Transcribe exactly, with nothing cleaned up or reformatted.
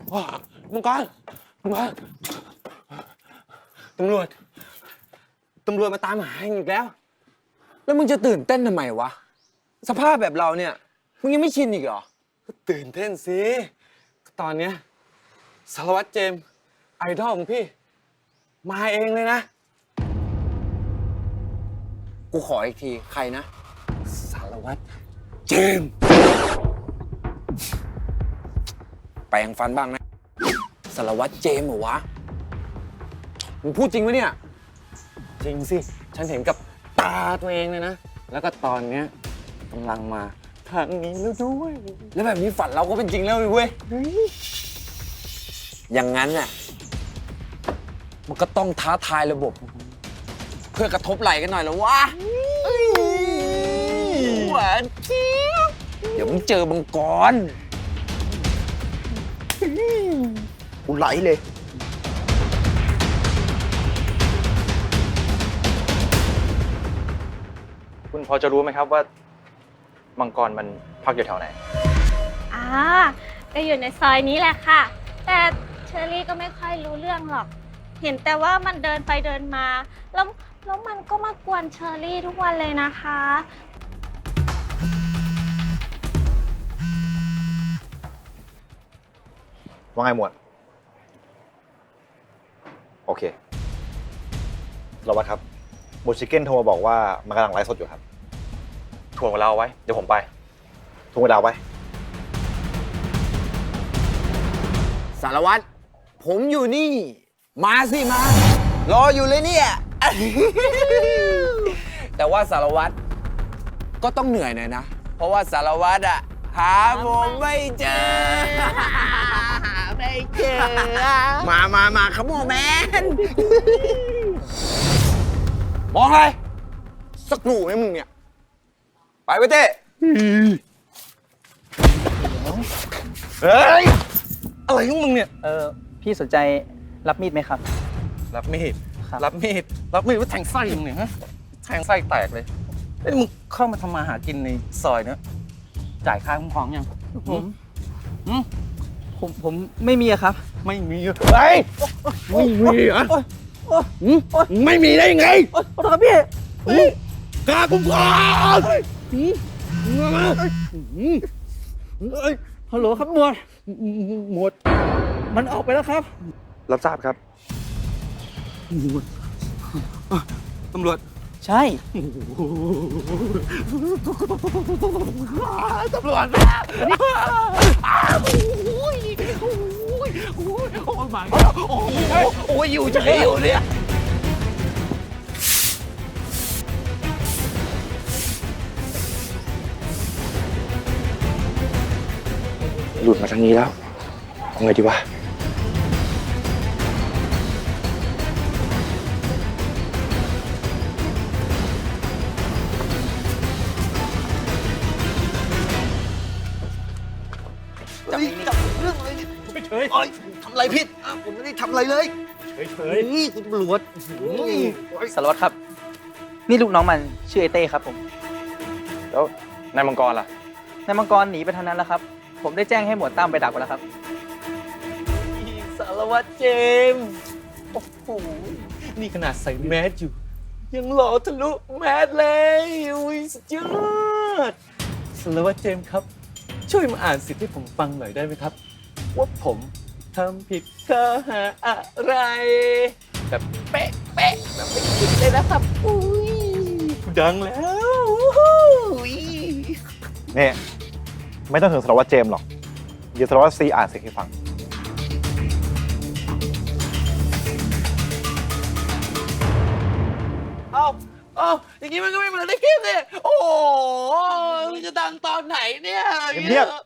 มังกรมังกรตำรวจตำรวจมาตามหาเองอีกแล้วแล้วมึงจะตื่นเต้นทำไมวะสภาพแบบเราเนี่ยมึงยังไม่ชินอีกเหรอตื่นเต้นสิตอนเนี้ยสารวัตรเจมส์ไอดอลของพี่มาเองเลยนะกูขออีกทีใครนะสารวัตรเจมส์แปรงฟันบ้างนะสารวัตรเจมส์เหรอวะมึงพูดจริงไหมเนี่ยจริงสิฉันเห็นกับตาตัวเองเลยนะแล้วก็ตอนเนี้ยกำลังมาทางนี้แล้วด้วยแล้วแบบนี้ฝันเราก็เป็นจริงแล้วเว้ยอย่างนั้นน่ะมันก็ต้องท้าทายระบบเพื่อกระทบไหลกันหน่อยแล้ววะหวานเจี๊ยบเดี๋ยวมึงเจอบังกรกูไหลเลยคุณพอจะรู้ไหมครับว่ามังกรมันพักอยู่แถวไหนอ่าก็อยู่ในซอยนี้แหละค่ะแต่เชอรี่ก็ไม่ค่อยรู้เรื่องหรอกเห็นแต่ว่ามันเดินไปเดินมาแล้วแล้วมันก็มากวนเชอรี่ทุกวันเลยนะคะว่าไงหมวดโอเคเราวัดครับบูชิเก้นโทรมาบอกว่ามันกำลังไลฟ์สดอยู่ครับถ่วงเวลาไว้เดี๋ยวผมไปถ่วงเวลาไว้สารวัตรผมอยู่นี่มาสิมารออยู่เลยเนี่ย แต่ว่าสารวัตรก็ต้องเหนื่อยหน่อยนะเพราะว่าสารวัตรอะหาผมไม่เจอ ไม่เจอมามามาขโมยแมน มองอะไรสักหนูไหมมึงเนี่ยไปไปเต้เฮ้ยอะไรของมึงเนี่ยเออพี่สนใจรับมีดไหมครับรับมีดครับรับมีดรับมีดว่าแทงไส้มึงเนี่ยฮะแทงไส้แตกเลยเอ้ยมึงเข้ามาทำมาหากินในซอยเนี้ยจ่ายค่าคุ้มครองยังผมผมผมไม่มีอะครับไม่มีเฮ้ยไม่มีอ่ะไม่มีได้ยังไงโอ๊ยขอโทษครับพี่ค่าคุ้มครองมาเฮ้ยฮัลโหลครับหมวดหมวดมันออกไปแล้วครับรับทราบครับตำรวจใช่ตำรวจโอ้ยมาโอ้ยอยู่จะอยู่เนี่ยหลุดมาทางนี้แล้วเอาไงดีวะจับจับเรื่องอะไรเนี่ยเฉยทำอะไรผิดผมไม่ได้ทำอะไรเลยเฉยนี่คุณตำรวจสารวัตรครับนี่ลูกน้องมันชื่อไอเต้ครับผมแล้วนายมังกรล่ะนายมังกรหนีไปทางนั้นแล้วครับผมได้แจ้งให้หมวดตั้มไปดักไว้แล้วครับสารวัตรเจมส์โอ้โหนี่ขนาดใส่แมสอยู่ยังหล่อทะลุแมสเลยอุ้ยสุดยอดสารวัตรเจมส์ครับช่วยมาอ่านสิทธิ์ให้ผมฟังหน่อยได้ไหมครับว่าผมทำผิดข้อหาอะไรแบบเป๊ะเป๊ะแบบไม่ผิดเลยนะครับอุ้ยดังแล้วอุ้ยนี่ไม่ต้องถึงสารวัตรเจมส์หรอกเดี๋ยวสารวัตรซีอ่านเสียงให้ฟังเอาเอาอย่างนี้มันก็ไม่เหมือนในคลิปเลยโอ้โหจะดังตอนไหนเนี่ยเงียบ